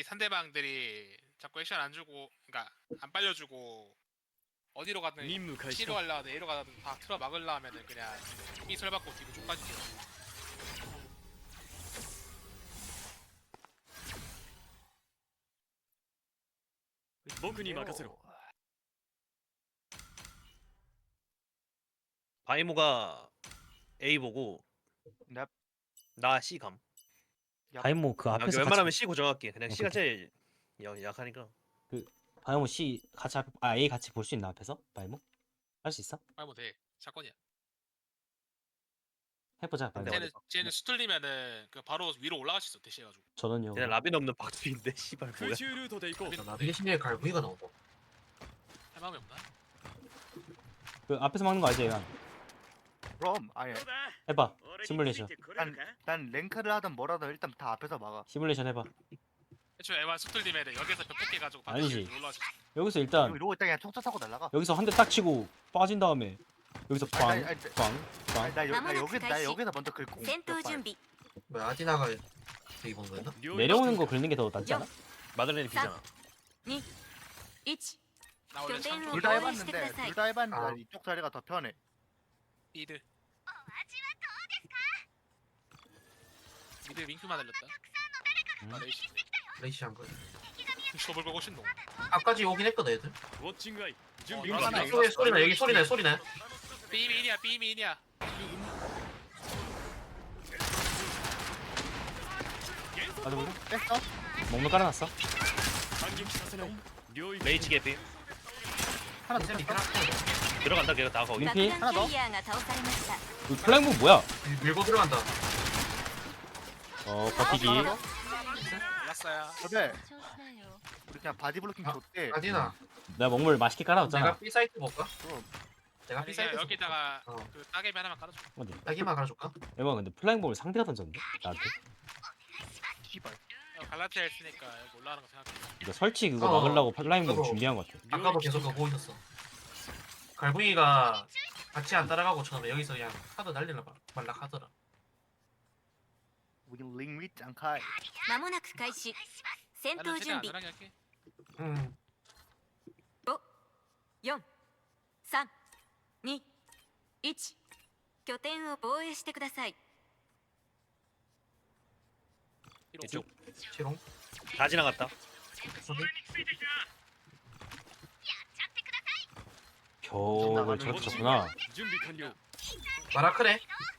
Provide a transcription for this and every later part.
상대방들이 자꾸 액션 안 주고, 그러니까 안 빨려주고 어디로 가든 C로 가려든 A로 가든 다 틀어 막으려 하면은 그냥 B 설 받고 뒤로 쭉 빠지죠. 僕に任せろ。 바이모가 A 보고 넵. 나 C 감. 바이모 그 아, 앞에서 웬만하면 같이 C 고정할게. 그냥 C가 오케이. 제일 약하니까. 바이모 C 같이 A 같이 볼 수 있나 앞에서 바이모 할 수 있어? 빨리 뭐 돼. 사건이야. 해보자 바이모. 근데 쟤는 수틀리면은 그 바로 위로 올라갈 수 있어. 대시해가지고. 저는요. 그냥 라빈 없는 박두인데 씨발 뭐야. 空中ルートで行こう。 나비 대신에 갈구이가 나온다. 할 마음이 없나? 그 앞에서 막는 거 알지 얘가? 그럼 아니 해봐. 시뮬레이션. 난 랭크를 하든 뭐라든 일단 다 앞에서 막아. 시뮬레이션 해봐. 애초에 에반 수틀리면은 여기서 벽폭해가지고 아니지. 위로 올라갈 수 있어. 여기서 일단 이러고 있다 그냥 총차 타고 날라가. 여기서 한 대 딱 치고 빠진 다음에 여기서 아니, 아니, 빵빵빵 나 여기서 먼저 긁고. 戦闘準備 뭐야 아디나가 되게 본 거였나? 내려오는 거 긁는 게 더 낫지 않아? 마들렌이 비잖아. 1 나 원래 拠点を 상주 둘 다 防衛 해봤는데 してください 둘 다 해봤는데 아. 난 이쪽 자리가 더 편해. 미드. 미드 링크만 날렸다. 아, 레이시. 레이시 한 거. 쇼볼 걸고 신노. 아까지 오긴 했거든 애들. ウォッチングアイ準備 이거 完 하나 了 이거 소리나 여기 소리네. B민이야 B민이야. 맞아 보자. 뺐어? 먹물 깔아놨어. 反撃させない領域 레이치 개피. 하나 더 쌤 뺐어? 밑에 들어간다 걔가 다 거기. 爆 민피? 弾キャリアーが倒されました 그 플랭무 뭐야? 밀고 들어간다. 버티기. 몰랐어요. 그래. 우리 그냥 바디 블로킹 줬대. 아디나 내가 먹물 맛있게 깔아줬잖아. 내가 B 사이트 볼까? 그럼. 내가 아니 B 그냥 사이트 여기다가 어. 그 따개비 하나만 깔아줘. 어디? 딸기만 갈아줄까? 에바 근데 플라잉볼을 상대가 던졌는데 나한테. 씨발. 갈라티아 했으니까 여기 올라가는 거 생각해. 이거 설치 그거 어. 막으려고 플라잉볼 그거. 준비한 것 같아. 아까도 계속 그거 보고 있었어. 갈구이가 같이 안 따라가고 처음에 여기서 그냥 카드 날리려 말라 하더라. 우리 링 위치 안 카이. まもなく開始戦 나는 闘 최대한 準備 안전하게 할게. 음. 4 3 2 1拠点を防衛してください 이쪽. 치롱. 다 지나갔다. 저기 겨울 저렇게 쳤구나. 準備完了 마라크네.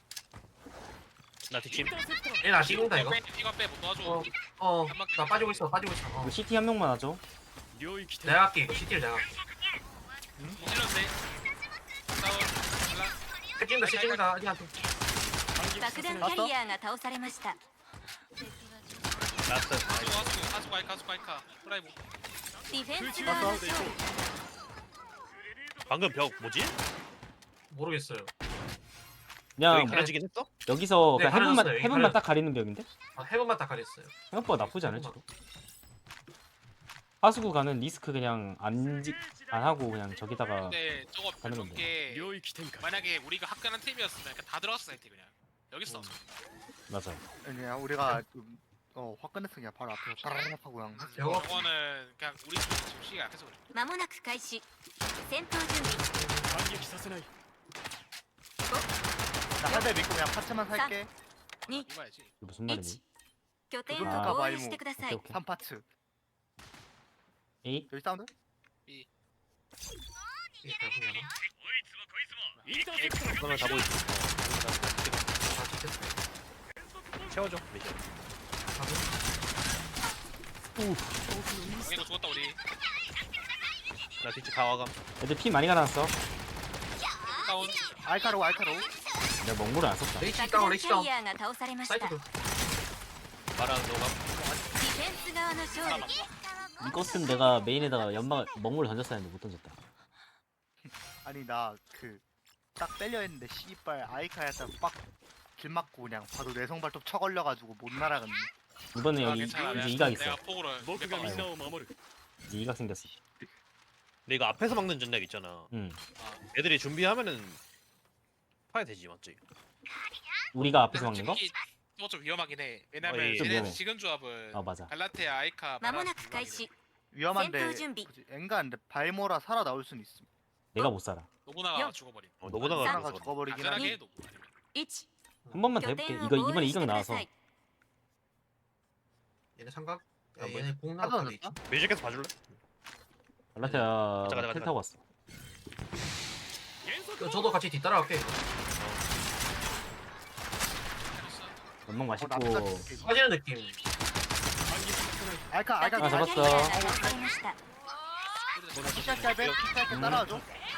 나 뒷짐. 얘나 찍는다 이거. 이거 빼못 도와줘. 나 빠지고 있어. 이거 CT 한 명만 하죠. 領域展 내가 할게 이거 CT를 내가 할게. 찔렀네. 싸워. 찍는다 아디한테. 爆弾キャリアーが倒されました 라스트. 가수 가이카. 프라이브. ディフェンス側の勝利 방금 벽 뭐지? 모르겠어요. 그냥 여기 가려지긴 했어? 여기서 네, 그냥 해븐만 가려졌어요. 여기 해븐만 딱 가리는 벽인데 해본만 딱 가렸어요. 생각보다 나쁘지 않을지도. 하수구 가는 리스크 그냥 안 하고 그냥 저기다가 근데 저거 가는 별론 건데. 게 領域展開 만약에 우리가 화끈한 팀이었으면 그냥 다 들어갔어 사이트 그냥. 여기 있어. 맞아. 그냥 우리가 좀 화끈했어 그냥 바로 앞에서 따라락 하고 그냥. 했어. 저거 저거는 그냥 우리 지금 시기가 약해서 그래. まもなく開始戦闘準備反撃させない 나 한 대 믿고 그냥 파츠만 살게. 2 이봐야지. 이게 무슨 말이니? 拠点をあ防衛してください 오케이 오케이. 3파츠. A 여기 사운드? 이게 갈구이야. インターセプター 그러면 다 보이지. 다 찍혔어. 채워줘. 미션. 이거 죽었다 우리. 나 뒷집 가와감. 애들 피 많이 갈아놨어. 다운. 알카로. 내가 먹물을 안 썼다. 레이시 爆 다운 弾 레이시 キャ 다운. リアーが倒されましたデ 사이트도. 마랑 너가. ィフェンス側の勝利 이것은 내가 메인에다가 연막 먹물 던졌어야 했는데 못 던졌다. 아니 나 그 딱 빼려 했는데 씨발 아이카에서 빡길 맞고 그냥 바로 뇌성발톱 쳐걸려가지고 못 날아갔네. 이번에 아, 여기 괜찮아. 이제 내가- 이각 있어. 내가 폭으로 僕がみんなを守る 이제 이각 생겼어. 근데 이거 앞에서 막는 전략 있잖아. 응. 애들이 준비하면은 파야 되지 맞지? 우리가 앞에서 막는 거? 그거 좀 위험하긴 해. 왜냐면 예. 좀 쟤네 위험해. 지금 조합은 아 맞아. 갈라테아, 아이카, 間もな 마라스 く開始 위험한데 戦闘準備 뭐지, 엔가인데 발모라 살아 나올 수는 있음. 내가 못 살아. 노부나가 영. 죽어버린. 노보다가 하나가 죽었어. 죽어버리긴 안전하게 하네. 해 노부 아니면. 1 한 번만 더 拠 해볼게. 点を 이거 防 이번에 衛して 이강 くだ 나와서 さい 얘네 삼각. 야, 뭐, 얘네 공 하도 나왔다. 안 했다? 뮤직에서 봐줄래? 갈라테아 가자, 가자, 텔 가자. 타고 왔어. 저도 같이 뒤따라갈게. 이거. 연막 맛있고. 나쁘다. 빠지는 느낌. 알카 爆 알카 弾 잡았어. キャリアが見つかりました 피자 짧게 따라와줘.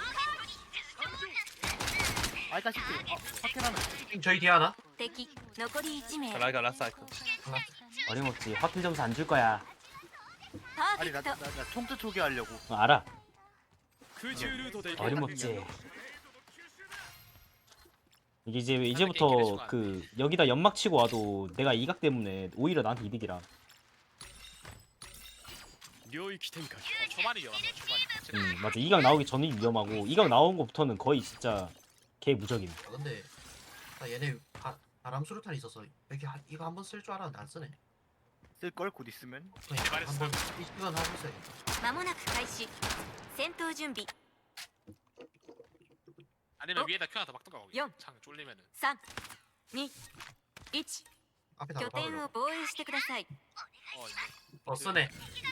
알카 시티. 확인하면. 저희 뒤에 하나. 敵残り1名 라이가 라스 아이콘. 하나. 어림없지. 확킬 점수 안 줄 거야. パー 아니 フェクト 나 총트 초기하려고. 알아. 空中ルートで行け 어림없지. 이게 이제부터 그 여기다 연막 치고 와도 내가 이각 때문에 오히려 나한테 이득이라. 領域展開 초반이 위험한 거 초반이. 맞아. 이각 나오기 전이 위험하고 이각 나온 거부터는 거의 진짜 개 무적임. 아, 근데 나 얘네 바람 수류탄 있어서 여기 이거 한번 쓸 줄 알았는데 안 쓰네. 쓸 걸 곧 있으면. 그러니까 말했어. 한번 이건 하고 있어야겠다. 間もなく開始戦闘準備 아니면 어? 위에다 켜놔서 막던가 거기. 영. 창 쫄리면은. 3 2 1 앞에 拠 다 点を 박으려고. 防衛してください 이제. 쓰네.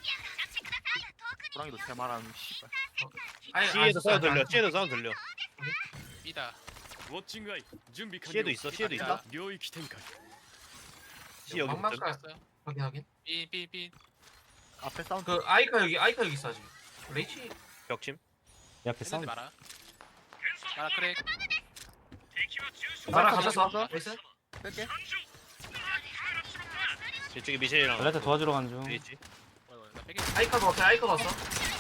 호랑이도 대말하는 씨발. C에도 사운드 들려. C에도 사운드 들려. B다. ウォッチングアイ準備完 C에도 了 있어. C에도 아니다. 있어. 領域展開 C 여기 막막 붙음. 가- 됐어요. 확인. B. 앞에 사운드. 그 아이카 여기 있어 아직. 레이치. 벽침. 내 앞에 했는데 싸움. 마라. 마라 크랙. 나랑 아이카 가졌어. 가졌어? 나이스. 뺄게. 이쪽에 미셸이랑 갈라테 도와주러 가는 중. 있지. 나 빼기. 아이카도 왔어. 아이카도 왔어.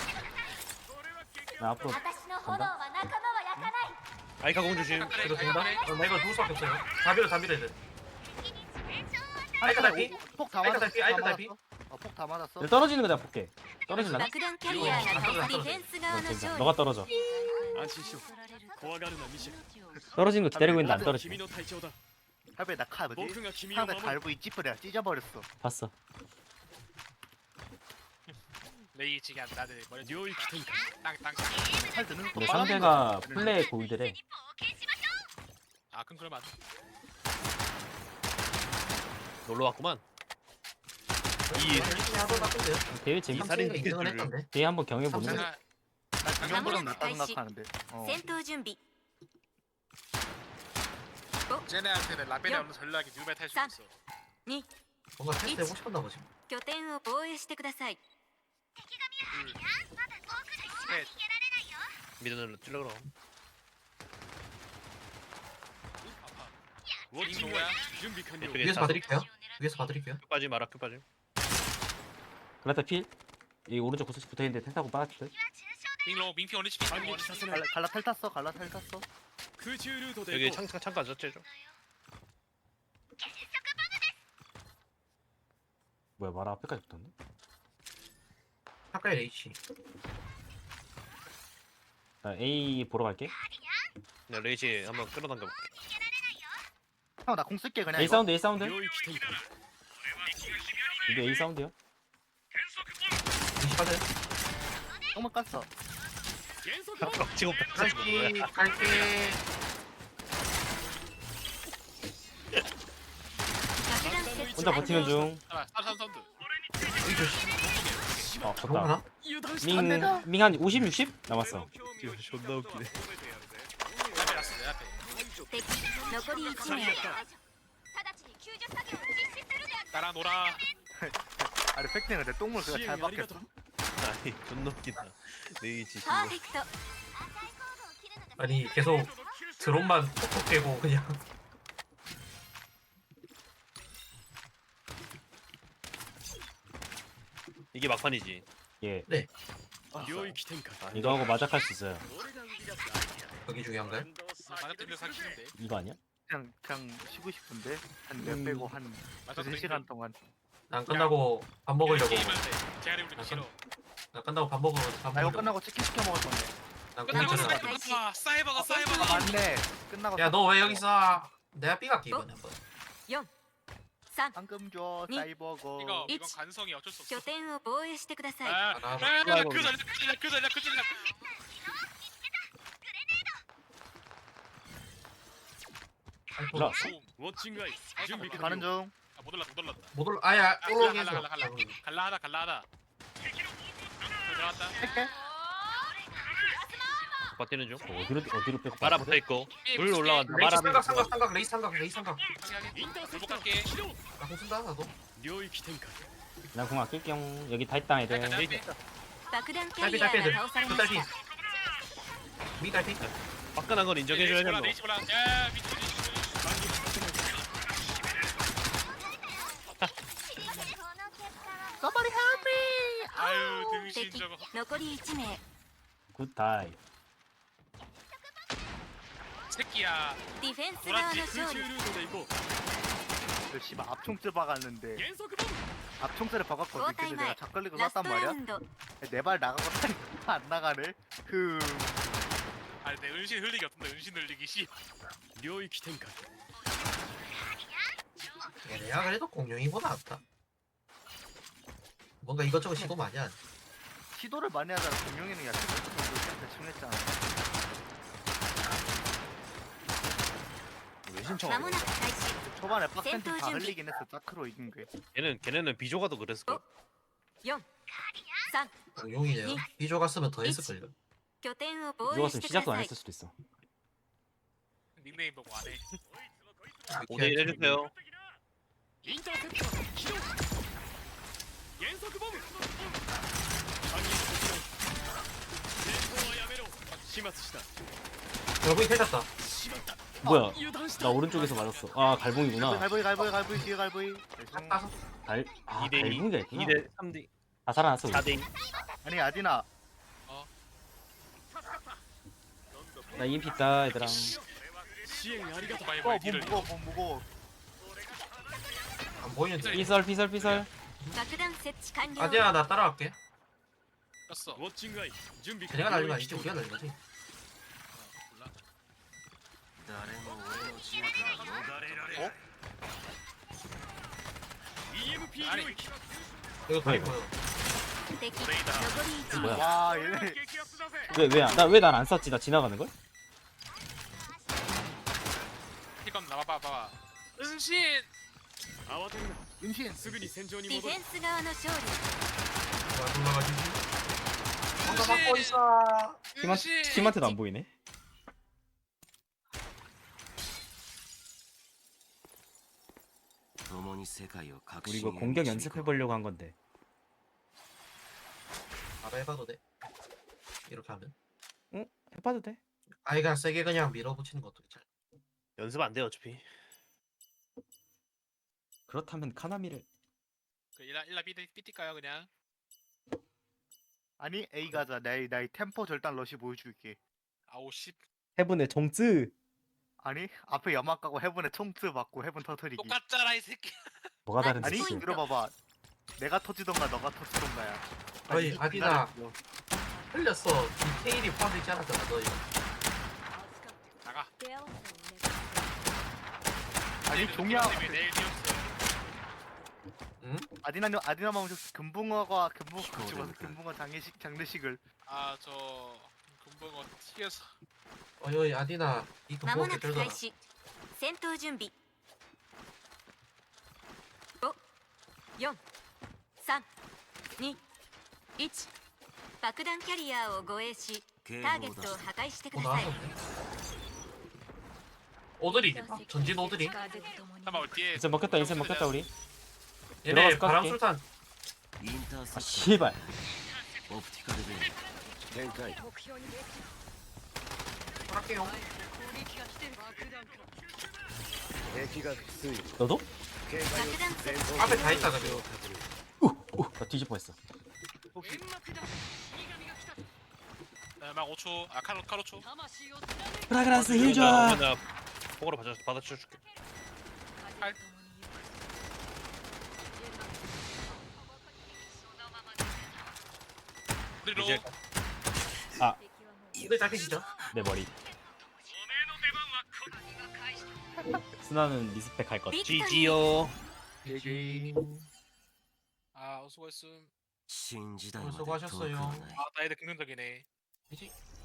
나 앞으로 私の炎は仲間は焼かない 아이카 공 조심. 크랙. 이거 된다? 크랙. 나 이거 죽을 수밖에 없어요. 다 밀어야 돼. 아이카 달피? 폭다 아이카 맞았어. 달피, 아이카 달피. 폭다 맞았어. 떨어지는 거 내가 볼게. 떨어질라나? 爆弾キャリアが倒されディフェンス側の 괜찮아. 勝利 너가 떨어져. 安心しろ怖がるなミシェル 떨어지는 거 기다리고 있는데 안 君 떨어지네. の隊長だ 할배 나카 뭐지? 僕が君を 상대 守る 갈고 이 찌푸려 찢어버렸어. 봤어. 레이 지금 나들 머리 領域展開 땅. 팔 드는 거 근데 빨아먹는 상대가 거. 플레이 고이드래. 아 그럼 그러면 안 돼. 놀러 왔구만. 열심히 하던 같은데요? 대회 재밌. 살인 삼성이 인정은 했던데. 대회 한번 경해 보는 거. 내가 나 중형보다 낫다 생각하는데. 戦闘準備 쟤네한테는 라벨이 없는 전략이 뉴메 탈 수도 있어. 2 뭔가 테스트 해보고 싶었나 보지. 拠点を防衛してください 셋. 미드는 찔러 그럼. ウォッチングアイ準備完了 이쪽에 위에서 봐드릴게요. 위에서 봐드릴게요. 끝 빠짐 마라 끝 빠짐. 갈라테 필. 이 오른쪽 구석에 붙어 있는데 텔 타고 빠졌대. 빙로 민피 원리치 빙 反撃させない 갈라 탈 탔어. 갈라 탈 탔어. 空中ルートで 여기 行こう 창가 젖제죠. 뭐야 마라 앞에까지 붙었네. 가까이 레이치. 나 A 보러 갈게. 네, 레이지 한번 끌어당겨 볼게. 형 나 공 쓸게 그냥. A 이거. 사운드 A 사운드. 領域展開 이게 A 사운드요. 레이치 빠져요. 조금만 깠어. 減速 지금 갈게. 갈게. 爆弾設置 혼자 完 버티는 了 중. 아, 사운드. 여기 조심. 어 그런가 좋다. 나? 밍 한 50, 60 남았어. 존나 웃기네. 라벨 왔어 내 앞에. 敵残り1名 나랑 놀아. 아니 팩트는 내 똥물 그가 支 잘 援ありがと 박혔어. う 아니 존나 웃기다. 레이지 パーフェクト 아니 계속 드론만 톡톡 깨고 그냥. 이게 막판이지. 예. 領域展開 이거 하고 마작할 수 있어요. 여기 중요한가요? 만렙 들려 사기는데. 이거 아니야? 그냥 쉬고 싶은데 한 몇 빼고 한 맞아. 2시간 동안. 난 끝나고 밥 먹으려고. 게임한테 제아리 우리 싫어. 난 끝나고 밥 먹으러 밥 나 이거 먹으려고. 끝나고 치킨 시켜 먹을 건데. 난 끝나고 공짜로 끝나고 가자. 사이버. 사이버가 아 맞네. 끝나고. 야 너 왜 여기 있어? 내가 삐 갈게 이번에 한번. 4 3 방금 줘 니- 사이버거. 이건 일치. 관성이 어쩔 수 없어. 拠点を防衛してください 그 전략. 어, 라. ウォッチングアイ準備 가는 完了 중. 못 올랐다. 못 올. 아야 아, 올라오겠어. 갈라하다. 들어갔다. 할게. 버티는 중. 어디로 빼고 마라 붙어 있고. 둘 올라간다. 레이스 마라 삼각 레이스 삼각. インターセプ 못 ター 갈게. 起動 나공 쓴다 나도. 領域展開 나공 아낄겸. 여기 다 있다 애들. 爆弾キャリ 딸피 ア 딸피 が倒され 그 まし 딸피. た 미 딸피. 화끈한 건 인정해줘야 된다. 레이시 올라. 야, 미치. Somebody help me. 아유, 등신 敵 저거. 残り1名 굿다이. 새끼야. ディフェンス側の空勝利中ルートで行こ 그 씨발 앞총질 박았는데 う減速ボム 앞총질을 박았거든. 근데 고타이마이. 내가 작걸리고 ラス 쐈단 トラ 말이야. ウンド 내 발 나가고 안 나가네. 아니, 내 은신 흘리기 어떤데? 은신 흘리기 씨. 領域展開 얘네야 그래도 공룡이보다 낫다. 뭔가 이것저것 시도 많이 하네. 시도를 많이 하다가 공룡이는 야 대충 했잖아. 왜 ま 신청하는 も 거야? なく開始 초반에 빡센 팀 다 준비. 흘리긴 했어. 짜크로 이긴 게. 걔네는 비조가도 그랬을 거야. 4 3 공룡이네요. 비조 갔으면 더 했을걸요. 拠点を防衛 누가 し 좀 てくだ 시작도 안 さい 했을 수도 있어. 닉네임 보고 안 해. 5대1 해주세요. インターセプター起動減速ボム反撃しない戦闘はやめろ始末した 결국에 패졌다. しまった 뭐야? 油断した 나 오른쪽에서 맞았어. 아 갈봉이구나. 갈보이 뒤에 갈보이. 따서 아 2대2. 갈봉이가 있구나. 2대 3대 다 살아났어. 우리. 4대2. 아니 아디나 나 EMP 있다 얘들아. 支援ありがとう 많이 무거워 많이 딜을. 무거워. 안 보이는데. 피설. 爆弾設置完了 아디야 나 따라갈게. 떴어. ウォッチングアイ準備 내가 날린 거 領 아니지? 域展 우리가 開 날린 거지. EMP 아니. 領域 이거 다 보여. 敵残り1名 뭐야? 와 얘네 激アツだぜ 왜 난 안 쐈지? 나 지나가는 걸? 이건 나봐봐. 은신. 慌てるな 은신 すぐに戦場にディフ戻るェンス側の勝利 와 올라가지고. 뭔가 막고 있어. 팀한테도 안 보이네. 우리 이거 공격 연습해 보려고 한 건데. 바로 해봐도 돼. 이렇게 하면. 해봐도 돼. 아이가 세게 그냥 밀어붙이는 것도 괜찮아. 연습 안 돼 어차피. 그렇다면 카나미를 그 일라 삐띠까요 그냥. 아니 A 가자. 나의 템포 절단 러시 보여줄게. 아우 씨. 해븐의 정쯔. 아니 앞에 연막 가고 해븐에 총트 받고 해븐 터트리기. 똑같잖아 이 새끼. 뭐가 다른지. 아니 포인트. 들어봐봐. 내가 터지던가 너가 터지던가야. 어이 아디나 기다려. 흘렸어. 디테일이 포함되지 않았잖아 너희. 나가. 아니 종양 왜 내일 뛰었어. 아디나 마음 금붕어가 금붕어 장례식을 아저 금붕어 튀겨서. 어이 아디나 이 まも 금붕어 なく 들더라. 開始戦闘準備5 4 3 2 1爆弾キャリアを護衛しターゲットを破壊してください 나왔었네. 오드리 전진 오드리. 잠깐만 뒤에. 인생 먹혔다 우리. 얘네 들어가서 바람 깎게. 술탄. 아 씨발. 할게요. 너도? 爆弾設置 앞에 다 있다 그래요. 나 뒤질 뻔했어. 막 5초. 아 카로초. 프라그란스 힐 줘. 나 폭으로 받아줄게. 우리로. 이제 이거 잡히시죠? 내 머리. 스나는 리스펙 할 것. 빅토리 지지요. GG. 아 수고했음. 수고하셨어요. 아 나이들 긍정적이네. GG.